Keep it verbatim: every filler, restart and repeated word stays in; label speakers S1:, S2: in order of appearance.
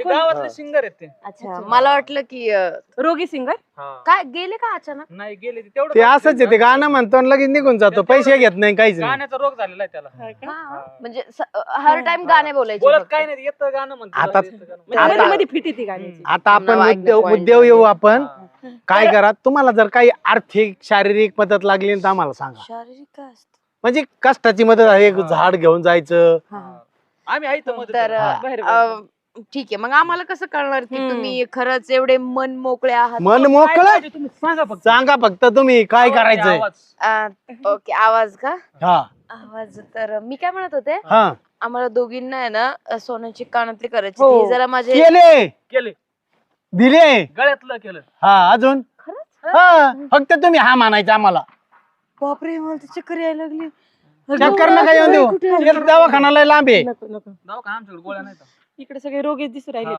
S1: ते गावातले सिंगर आहेत ते.
S2: अच्छा मला वाटलं की अं,
S3: रोगी सिंगर.
S2: काय गेले का अचानक?
S1: नाही गेले ते तेवढं
S4: ते असंच आहे, ते गाणं म्हणतो आणि लगेच निघून जातो, पैसे घेत नाही काहीच नाही.
S1: गाण्याचा रोग झालेला आहे त्याला.
S2: हा, म्हणजे स- हर टाइम गाणे बोलायचे
S1: बोलत
S2: फक्त.
S1: काय नाही येतं गाणं म्हणतो.
S4: आता-
S1: येतं गाणं.
S3: म्हणजे
S4: आता-
S3: मध्ये मध्ये फिट येते गाण्याची.
S4: आता आपण
S2: नाव ऐकण्यात
S4: मुद्दे
S2: point
S4: मुद्द्यावर येऊ
S2: झाले.
S4: आपण.
S1: हा.
S4: काय करा, तुम्हाला जर काही आर्थिक शारीरिक मदत लागली तर आम्हाला सांगा.
S2: शारीरिक काय असतं?
S4: म्हणजे कष्टाची मदत आहे, एक झाड घेऊन जायचं.
S2: हा.
S1: आम्ही आहे इथं मदत
S2: तर
S1: करायला.
S4: हा.
S3: बरं, बरं.
S2: अं, ठीक आहे, मग आम्हाला कसं कळणार की
S3: हम्म.
S2: तुम्ही खरंच एवढे मन मोकळे आहात?
S4: मन
S1: काय
S4: मोकळं
S1: पाहिजे तुम्ही सांगा फक्त.
S4: सांगा फक्त तुम्ही काय
S1: आवाज द्या,
S4: करायचंय.
S1: आवाज.
S2: अं, ओके, आवाज का?
S4: हा
S2: आवाज तर मी काय म्हणत होते,
S4: हा
S2: आम्हाला दोघींना आहे ना अं, सोन्याची कानातली करायची
S3: हो.
S2: ती जरा माझे.
S4: केले
S1: केले
S4: दिले.
S1: गळ्यातलं केलं.
S4: हा अजून
S2: खरंच?
S4: हा फक्त तुम्ही हा म्हणायचं आम्हाला.
S2: बापरे, मला तर चक्कर यायला लागली.
S4: चक्कर नका येऊन देऊ,
S2: कुठे आहे?
S4: एक दवाखाना लय लांब आहे.
S3: नको नको
S1: दवाखाना आमच्याकडे गोळ्या नाही तर.
S3: इकडे सगळे रोगी दिसू राहिले.